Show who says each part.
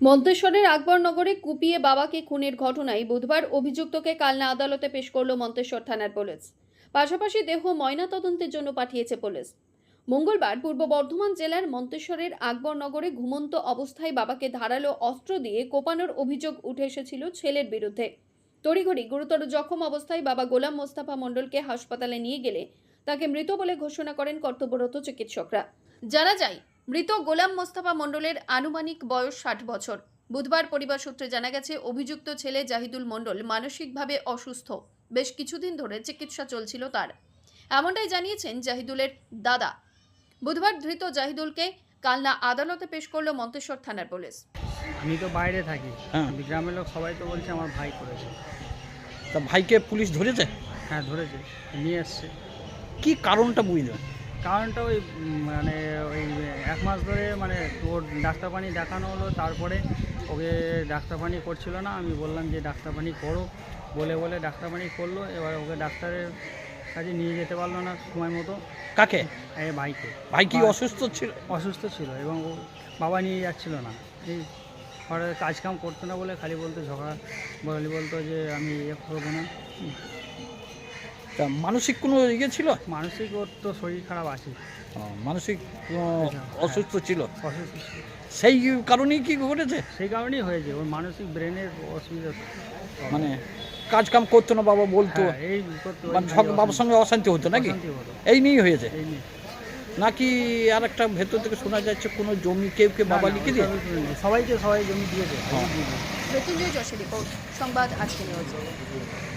Speaker 1: মন্তেশ্বরের আকবরনগরে কুপিয়ে বাবাকে খুনের ঘটনায় বুধবার অভিযুক্তকে কালনা আদালতে পেশ করল মন্তেশ্বর থানার পুলিশ। পাশাপাশি দেহ ময়নাতদন্তের জন্য পাঠিয়েছে পুলিশ। মঙ্গলবার পূর্ব বর্ধমান জেলার মন্তেশ্বরের আকবরনগরে ঘুমন্ত অবস্থায় বাবাকে ধারালো অস্ত্র দিয়ে কোপানোর অভিযোগ উঠে এসেছিল ছেলের বিরুদ্ধে। তড়িঘড়ি গুরুতর জখম অবস্থায় বাবা গোলাম মোস্তফা মণ্ডলকে হাসপাতালে নিয়ে গেলে তাকে মৃত বলে ঘোষণা করেন কর্তব্যরত চিকিৎসকরা। জানা যায়, মৃত গোলাম মোস্তফা মণ্ডলের আনুমানিক বয়স 60 বছর। বুধবার পরিবার সূত্রে জানা গেছে, অভিযুক্ত ছেলে জাহিদুল মণ্ডল মানসিকভাবে অসুস্থ। বেশ কিছুদিন ধরে চিকিৎসা চলছিল তার, এমনটাই জানিয়েছেন জাহিদুলের দাদা। বুধবার ধৃত জাহিদুলকে কালনা আদালতে পেশ করল মন্তেশ্বর থানার পুলিশ।
Speaker 2: আমি তো বাইরে থাকি, গ্রামের লোক সবাই তো বলছে আমার ভাই করেছে।
Speaker 3: তা ভাইকে পুলিশ ধরেছে?
Speaker 2: হ্যাঁ ধরেছে, নিয়ে এসছে।
Speaker 3: কি কারণটা বুঝলেন?
Speaker 2: কারণটা ওই মানে ওই 1 মাস ধরে মানে ওর ডাক্তার পানি দেখানো হলো, তারপরে ওকে ডাক্তার পানি করছিল না। আমি বললাম যে ডাক্তার পানি করো, বলে ডাক্তার পানি করলো। এবার ওকে ডাক্তারের কাছে নিয়ে যেতে পারলো না সময় মতো।
Speaker 3: কাকে?
Speaker 2: এই ভাইকে।
Speaker 3: ভাই কি অসুস্থ ছিল?
Speaker 2: অসুস্থ ছিল এবং ও বাবা নিয়ে যাচ্ছিল না। এই ঘরে কাজকাম করতো না বলে খালি বলতো, ঝগড়া বলতো যে আমি করবো না।
Speaker 3: তা মানসিক কোনো ইয়ে ছিল?
Speaker 2: মানসিক ওর তো শরীর খারাপ আছে,
Speaker 3: মানসিক অসুস্থ ছিল।
Speaker 2: অসুস্থ ছিল।
Speaker 3: সেই কারণেই কি ঘটেছে?
Speaker 2: সেই কারণেই হয়েছে, ওর মানসিক ব্রেনের অসুবিধা।
Speaker 3: মানে কাজ কাম করতো না বাবা বলতো,
Speaker 2: হ্যাঁ, এই করতো,
Speaker 3: মানে বাবার সঙ্গে অশান্তি হতো নাকি?
Speaker 2: অশান্তি হতো।
Speaker 3: এই নিয়েই হয়েছে
Speaker 2: এই নিয়ে।
Speaker 3: নাকি আর একটা ভেতর থেকে শোনা যাচ্ছে কোনো জমি কেউ বাবা লিখে দিয়ে?
Speaker 2: সবাই জমি দিয়েছে।
Speaker 1: মৃত্যুঞ্জয় যশের রিপোর্ট, সংবাদ আজকে নিউজ।